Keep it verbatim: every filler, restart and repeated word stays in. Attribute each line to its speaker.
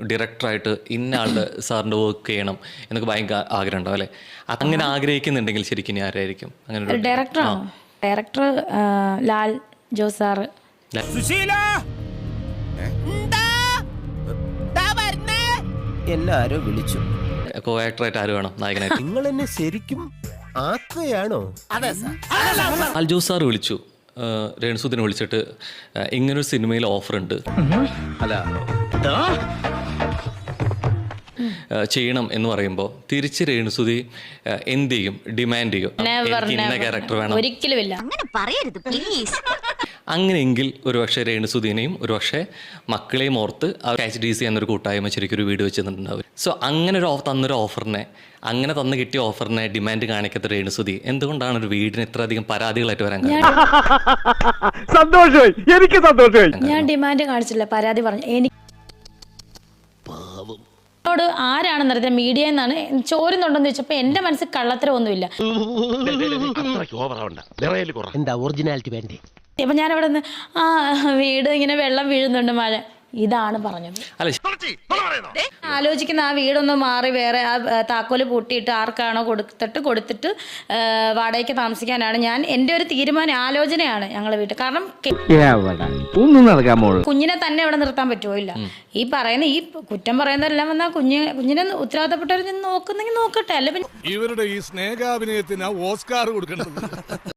Speaker 1: ഡയറക്ടറായിട്ട് ഇന്ന ആളുടെ സാറിൻ്റെ വർക്ക് ചെയ്യണം എന്നൊക്കെ ഭയങ്കര ആഗ്രഹം ഉണ്ടാവും അല്ലേ? അങ്ങനെ ആഗ്രഹിക്കുന്നുണ്ടെങ്കിൽ ശരിക്കും ഇനി ആരായിരിക്കും അങ്ങനെ?
Speaker 2: ഡയറക്ടറാണോ? Director Lal Jose sir.
Speaker 3: എല്ലാരും വിളിച്ചു.
Speaker 1: കോ ആക്ടറായിട്ട് ആര് വേണം നായകനായിട്ട്?
Speaker 3: നിങ്ങൾ എന്നെ ശരിക്കും ആക്കുകയാണോ?
Speaker 1: ലാൽ ജോസ് സാർ വിളിച്ചു, രേണുസുദിനെ വിളിച്ചിട്ട് ഇങ്ങനൊരു സിനിമയിൽ ഓഫർ ഉണ്ട്,
Speaker 3: അല്ല
Speaker 1: ചെയ്യണം എന്ന് പറയുമ്പോൾ തിരിച്ച് രേണുസുതി എന്ത് ചെയ്യും? ഡിമാൻഡ് ചെയ്യും, എനിക്ക് ഇന്ന ക്യാരക്ടർ വേണം.
Speaker 2: ഒരിക്കലുമില്ല.
Speaker 1: അങ്ങനെയെങ്കിൽ ഒരുപക്ഷെ രേണുസുദീനെയും ഒരുപക്ഷെ മക്കളെയും ഓർത്ത് അവർ എച്ച് ഡി സി എന്നൊരു കൂട്ടായ്മ ശരിക്കും ഒരു വീട് വെച്ചിട്ടുണ്ടാവും. സോ അങ്ങനെ ഒരു തന്നൊരു ഓഫറിനെ, അങ്ങനെ തന്നു കിട്ടിയ ഓഫറിനെ ഡിമാൻഡ് കാണിക്കാത്ത രേണുസുതി എന്തുകൊണ്ടാണ് ഒരു വീടിന് ഇത്ര അധികം പരാതികളായിട്ട് വരാൻ കാരണം?
Speaker 4: സന്തോഷമായി, എനിക്ക് സന്തോഷമായി.
Speaker 2: ഞാൻ ഡിമാൻഡ് കാണിച്ചില്ല, പരാതി പറഞ്ഞു. എനിക്ക് ോട് ആരാണെന്നറിയാം, മീഡിയ എന്നാണ് ചോരുന്നുണ്ടെന്ന് ചോദിച്ചപ്പോൾ എൻ്റെ മനസ്സിൽ കള്ളത്തരമൊന്നുമില്ല.
Speaker 3: എന്താ ഒറിജിനാലിറ്റി വേണ്ടേ?
Speaker 2: അപ്പം ഞാൻ അവിടെ നിന്ന് ആ വീട് ഇങ്ങനെ വെള്ളം വീഴുന്നുണ്ട്, മഴ, ഇതാണ് പറഞ്ഞത്. ആലോചിക്കുന്ന ആ വീടൊന്ന് മാറി വേറെ ആ താക്കോല് പൂട്ടിയിട്ട് ആർക്കാണോ കൊടുത്തിട്ട് കൊടുത്തിട്ട് വാടകയ്ക്ക് താമസിക്കാനാണ് ഞാൻ എൻ്റെ ഒരു തീരുമാനം, ആലോചനയാണ് ഞങ്ങളെ വീട്ടിൽ. കാരണം കുഞ്ഞിനെ തന്നെ ഇവിടെ നിർത്താൻ പറ്റുമോ? ഇല്ല. ഈ പറയുന്ന ഈ കുറ്റം പറയുന്നതെല്ലാം വന്നാൽ കുഞ്ഞ് കുഞ്ഞിനെ ഉത്തരവാദിത്തപ്പെട്ടവർ നോക്കുന്നെങ്കിൽ നോക്കട്ടെ. അല്ല പിന്നെ
Speaker 5: ഇവരുടെ ഈ സ്നേഹാഭിനയത്തിന് ഓസ്കാർ കൊടുക്കണം.